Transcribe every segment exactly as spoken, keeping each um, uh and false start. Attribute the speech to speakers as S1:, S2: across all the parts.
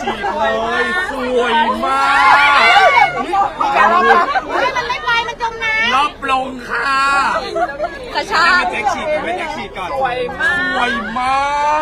S1: ฉีกเลยสวยมาก
S2: มีการรอบรับมันไม่ไปมันจมน้ำ
S1: รอบลงค่ะ
S2: กระชาก
S1: ไม่แจ็คฉีกไม่แจ็คฉีกก่อน
S3: สวยมาก
S1: สวยมาก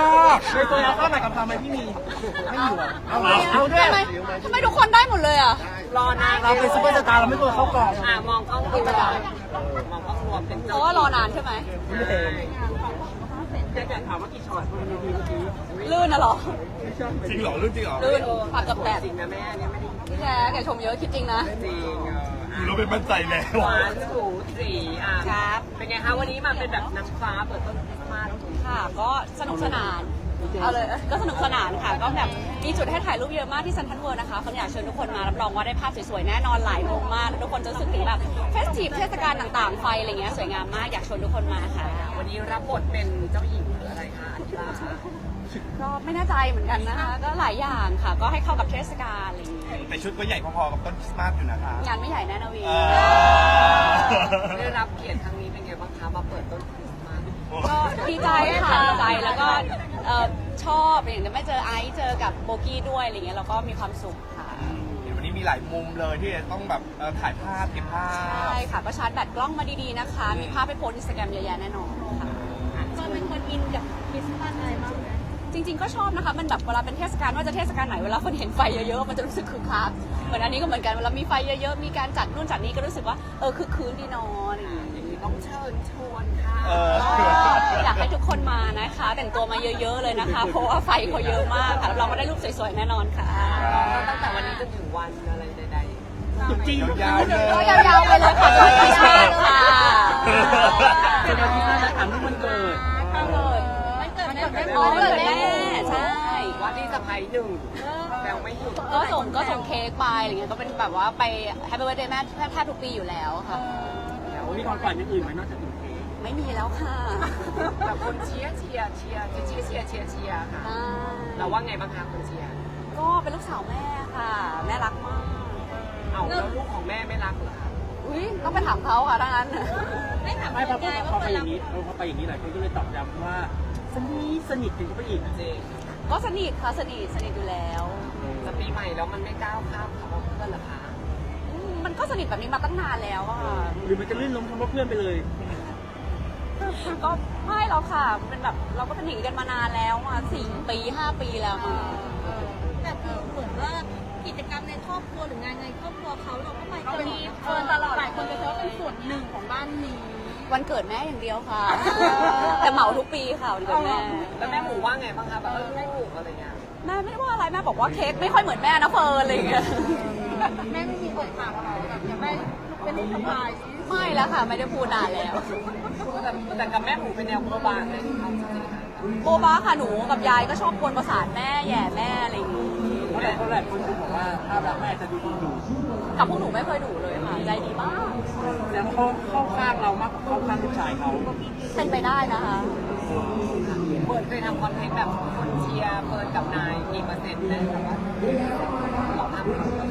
S3: ในตัวเราเข้าไหนกับทำไมพี่มีไม่อยู่อ่ะ
S1: เอา
S3: เอาด้วย
S2: ทำไมทำไมทุกคนได้หมดเลยอ่ะ
S3: รอนานเราเป็นซุปเปอร์สตาร์เราไม่ตัวเข้ากล่อง
S4: อ่ะมองกล้องรวมมองกล้องรวมเป็น
S2: เพ
S4: เจ้า
S2: ราะว่ารอนานใช่ไหม
S3: ไม่เต็ม
S4: แค่ถามว่ากี่ช็อตมันมีเมื่อกี้
S2: ลื่นนะเหรอ
S1: จริงเหรอรุ่นจริงเหรอ
S2: ลื่นปากกับแตก
S4: จริงนะแม่เนี่ยไม่ได้
S2: พี่แกแกชมเยอะคิดจริงนะ
S4: จริง
S1: เราเป็นมั่นใจแล้ว
S4: หวานสูสีอ่ะ
S2: ครับ
S4: เป็นไงคะวันนี้มาเป็นแบบนางฟ้าเปิดต้นคริสต์มาส
S2: ค่ะก็สนุกสนานเอาเลยก็สนุกสนานค่ะก็แบบมีจุดให้ถ่ายรูปเยอะมากที่เซ็นทรัลเวิลด์นะคะคนอยากเชิญทุกคนมารับรองว่าได้ภาพสวยๆแน่นอนหลายมุมมากทุกคนจะรู้สึกถึงแบบเฟสทีฟเทศกาลต่างๆไฟอะไรเงี้ยสวยงามมากอยากชวนทุกคนมาค่ะ
S4: วันนี้รับบทเป็นเจ้าหญิงหรืออะไรคะอันทิรา
S2: ก็ไม่แน่ใจเหมือนกันนะคะก็หลายอย่างค่ะ ก็ให้เข้ากับเทศกาลอะไรอย่างเงี้ย
S1: แต่ชุดก็ใหญ่พอๆกับต้นคริสต์มาสอยู่นะคะ
S2: งานไม่ใหญ่แน่นะวี
S1: เออ
S4: ได้รับเกียรติครั้งนี้เป็นไงบ้างคะมาเปิดต้นคริสต์มาส
S2: ก็ดีใจค่ะดีใจแล้วก็เอ่อชอบอย่างที่ไม่เจอไอซ์เจอกับโบกี้ด้วยอะไรเงี้ยเราก็มีความสุขค่ะ
S1: เดี๋ยววันนี้มีหลายมุมเลยที่จะต้องแบบเอ่อถ่ายภาพเก็บภาพ
S2: ใช่ค่ะก็ชาร์จแบตกล้องมาดีๆนะคะ มีภาพไปโพสต์อินสตาแกรมเยอะแยะแน่นอนค่ะก็เป็นคนอินกับคริสต์มาสอะไรมากจริงๆก็ชอบนะคะมันแบบเวลาเป็นเทศกาลว่าจะเทศกาลไหนเวลาคนเห็นไฟเยอะๆมันจะรู้สึกคึกคักเหมือนอันนี้ก็เหมือนกันเวลามีไฟเยอะๆมีการจัดนู่นจัดนี่ก็รู้สึกว่าเออคึกคืนดีเนอนอะไรอย่างเงี้ย
S4: อย่างนี้ต้องเชิญชวนค่ะ
S1: เออ
S2: อยากให้ทุกคนมานะคะ แต่งตัวมาเยอะๆเลยนะคะ เพราะว่าไฟเขาเยอะมากค่ะรับรองว่าได้รูปสวยๆแน่นอนค่ะ
S4: ตั้งแต่วันนี้จนถึงวันอะไรใดๆ
S3: จุดจริง
S1: ยาวๆเลย
S2: ก็ยาวๆไปเลยค่ะจนคริสต์มาสค่ะ
S3: เจะโดนที่น่าจะถามที่มันเกิด
S2: มันเกิดมันเกิดแม่อ๋อเกิดแม่ใช่
S4: ว่าที่สะพายหนึ่งแบงไม่หยุด
S2: ก็ส่งก็ส่งเค้กไปอะไรเงี้ยก็เป็นแบบว่าไปแฮปปี้เบิร์ดเดย์แม่แทบทุกปีอยู่แล้วค่ะ
S3: แล้วมีความฝันอย่างอื่นไหมนอกจากนี้
S2: ไม่มีแล้วค่ะ
S4: แบบคนเชียร์เชียร์เชียร์เชียร์เชียร์เชียร์เชียร์ค่ะ
S2: อ่า
S4: เราว่าไงบ้างคะคนเชียร์
S2: ก็เป็นลูกสาวแม่ค่ะ แม่รักมาก
S4: เอาแล้วลูกของแม่ไม่รักเหรอคะ
S2: อุ้ยต้องไปถามเขาค่ะถ้างั้น
S3: ไม่ถามไม่พอพอไปอย่างนี้เออพอไปอย่างนี้หลายคนก็เลยตอบย้ำว่าสนิทสนิทกันก็ไปอีก
S4: จริง
S2: ก็สนิทค่ะสนิทสนิทอยู่แล้ว
S4: แต่ปีใหม่แล้วมันไม่ก้าวข้ามคำว่าเพื่อนเหรอคะ
S2: อืมมันก็สนิทแบบนี้มาตั้งนานแล้วอะค่ะ
S3: หรือมันจะลื่นล้มคำว่าเพื่อนไปเลย
S2: ก็ไม่หรอกค่ะมันเป็นแบบเราก็เป็นอย่างนี้กันมานานแล้วมาสี่ปีห้าปีแล้วมา
S5: แต่คือเหมือนว่ากิจกรรมในครอบครัวหรืองานในครอบครัวเขาเราก็ไป
S2: เรามี
S5: เฟิร์นตลอดหลายคนจะเชื่อว่าเป็นส่วนหนึ่งของบ้านนี้
S2: วันเกิดแม่อย่างเดียวค่ะ แต่เหมาทุกปีค่ะวันเกิดแม่
S4: แล้วแม่หมูว่าไงบ้างคะแบบเออลูกอะไรเงี้ย
S2: แม่ไม่ได้ว่าอะไรแม่บอกว่าเค้กไม่ค่อยเหมือนแม่นะเฟิร์นอะไรอย่างเงี้ย
S5: แม่ไม่มีเอ่ยปากเราแบบอยากได้เป็นลูกสะพ้าย
S2: ไม่แล้วค่ะไม่ได้พูดนานแล้ว
S4: แต่แต่กับแม่หมูเป็นแนวโบบางเลยเอาจริงๆค่ะ
S2: โบบ้าค่ะหนูกับยายก็ชอบกวนประสาทแม่แย่แม่อะไรอย่างงี้
S3: เพราะหลายคนหลายคนจะบอกว่าภาพลักษณ์แม่จะดูดีอยู่
S2: กับพวกหนูไม่เคยดุเลยค่ะใจดีมาก
S3: แล้วเขาเข้าข้างเรามากกว่าเข้าข้างลูกชายเขา
S2: เป็นไปได้นะคะ
S4: เปิดเคยทำคอนเทนต์แบบคนเชียร์เปิดกับนายกี่เปอร์เซ็นต์ได้แบบว่าลองทำ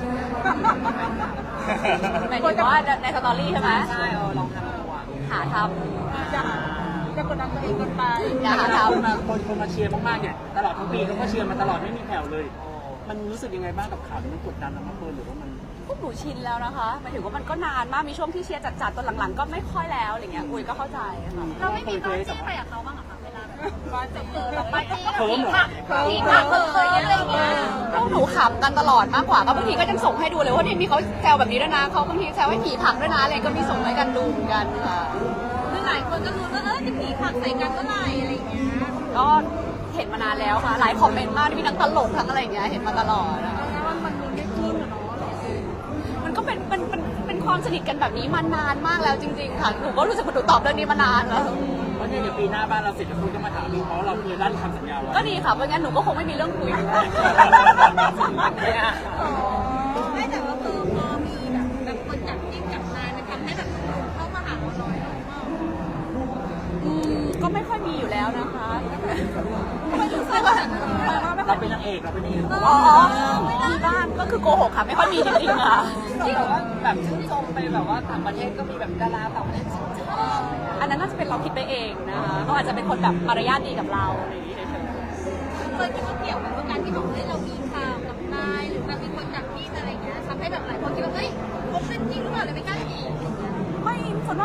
S2: หมายถึงว่าในสตอรี่ใช่ไหม
S4: ใช่เออลองทำดูอ่ะ
S2: หาท
S5: จะจะกดดันตัวเองเกันไป
S2: ำอย่าหา
S3: คน
S2: ทำ
S3: มาคนคนมาเชียร์มากๆเนี่ยตลอดทั้งปีเขาก็เชียร์มาตลอดไม่มีแผ่วเลย มันรู้สึกยังไงบ้างกับข่าวนี้มันกดดันเรามากเกินหรือว่ามัน
S2: พวกหนูชินแล้วนะคะหมายถึงว่ามันก็นานมากมีช่วงที่เชียร์จัดๆตอนหลังๆ ก็ไม่ค่อยแล้วอะไรเงี้ยอุ้ยก็เข้าใจค่ะ
S5: เราไม่มีบ้านจี้ไปกับเขาบ้างเหรอคะเวลาแบบบ้านจะเจอแบบบ้านจี้
S3: เคิร์มเหรอ
S5: ผีผักเคยอะไรอย่างเงี้ย
S2: พวกหนูขำกันตลอดมากกว่าก็บางทีก็ยังส่งให้ดูเลยว่านี่มีเขาแซวแบบนี้ด้วยนะเขาบางทีแซวให้ผีผักด้วยนะอะไรก็มีส่งให้กันดูเหมือนกันค่ะ
S5: คือหลายคนก็รู้ว่าเออจะผีผักใส่กันเมื่อไหร่อะไรอย่างเงี้ย
S2: ก็เห็นมานานแล้วค่ะ หลายคอมเมนต์มากมีทั้งตลกทั้งอะไรอย่างเงี้ยเห็นมาตลอดนะคะ
S5: แล้วว่ามันมีได้ขึ้นเหรอเนาะ
S2: มันก็เป็นเป็นเป็นเป็นความสนิทกันแบบนี้มานานมากแล้วจริง ๆ ค่ะหนูก็รู้สึกว่าหนูตอบเรื่องนี้มานานแล้ว
S3: เพราะเนี่ยเดี๋ยวปีหน้าบ้านเราเสร็จแล้วคุณก็มาถามดูเพราะเราเคยลั่นคำสัญญาไว้
S2: ก็ดีค่ะเพราะงั้นหนูก็คงไม่มีเรื่องคุย
S4: เนี่ย
S5: ไม่แต่ว่าคือพอมีแบบแบบคนจับจิ้งจับนายมันทำให้แบบเข้ามาหาเราน้อยลงมาก
S2: อืมก็ไม่ค่อยมีอยู่แล้วนะคะ
S5: ไม่รู้สึก
S2: ไม่
S5: ว่า
S2: ค่อยไม่ค่
S3: เรา
S2: อย
S3: เป็นนางเอกเราเป็นนางเอก
S2: อ๋อมีบ้านก็คือโกหกค่ะไม่ค่อยมีจริงๆค่ะ
S4: ที่แบบว่าแบบชื่นชมไปแบบว่าต่างประเทศก็มีแบบดาราต่างประเทศชื่นชม
S2: อันนั้นน่าจะเป็นเราคิดไปเองนะคะเขาอาจจะเป็นคนแบบมารยาทดีกับเราอะไรอย่างนี้เฉย
S5: เคยคิดว่าเกี่ยวกับการที่บอกให้เรามีข่าวกับ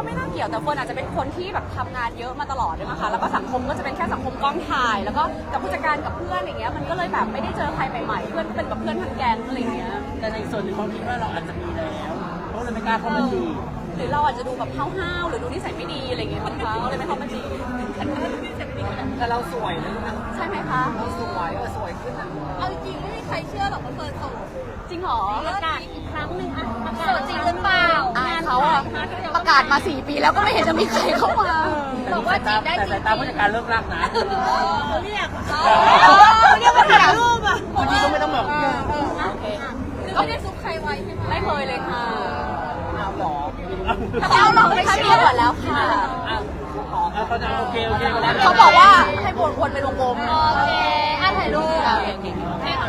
S2: ไม่น่าเกี่ยวแต่เฟิร์นอาจจะเป็นคนที่แบบทำงานเยอะมาตลอดด้วยนะคะแล้วก็สังคมก็จะเป็นแค่สังคมกองถ่าย แล้วก็กับผู้จัดการกับเพื่อนอย่างเงี้ยมันก็เลยแบบไม่ได้เจอใครใหม่ๆเพื่อนก็เป็นแบบเพื่อนทั้งแก๊งอะไรอย่างเงี้ย
S3: แต่ในส่วนหนึ่งเขาคิดว่าเราอาจจะมีแล้วเขาเลยไม่กล้าเข้ามาจีบ
S2: หรือเราอาจจะดูแบบห้าวๆหรือดูนิสัยไม่ดีอะไรอย่างเงี้ยมั้งคะก็เลยไม่เข้ามาจีบ
S4: แต่เราสวยนะลูกนะ
S2: ใช่ไหมคะ
S4: เราสวยเออสวยขึ้นนะ
S5: เอาจริงๆไม่มีใครเชื่อหรอกว่าเฟิร์นโสด
S2: จริงเหรอ
S5: ประกาศอีกครั้งหนึ่งอะประกาศจริงหรือเปล่า
S2: อายเขาอะประกาศมาสี่ปีแล้วก็ไม่เห็นจะมีใครเข้ามา
S5: บอกว่าจีบได้
S3: แต่
S5: จริ
S3: สาง ยตาผู้จัดการเลิกรักนะ
S5: เขาเรียก
S2: เขาเรียกว่าถ่ายรูปอะ
S3: เมื่อกี้ก็ไม่ต้องบอก
S2: โอเค
S5: คือไม่ได้ซุกใครไว้ใช่ไหม
S2: ไม่เคยเลยค่ะ
S4: เอาหรอ
S2: เขาเราไม่ใช่มีหมดแล้วค่ะ
S4: เอาขอ
S3: เอาเขาจะโอเคโอเค
S2: เขาบอกว่าให้วนวนเป็นวงกลม
S5: โอเคอ่ะถ่ายรูป
S2: โอเคโอเค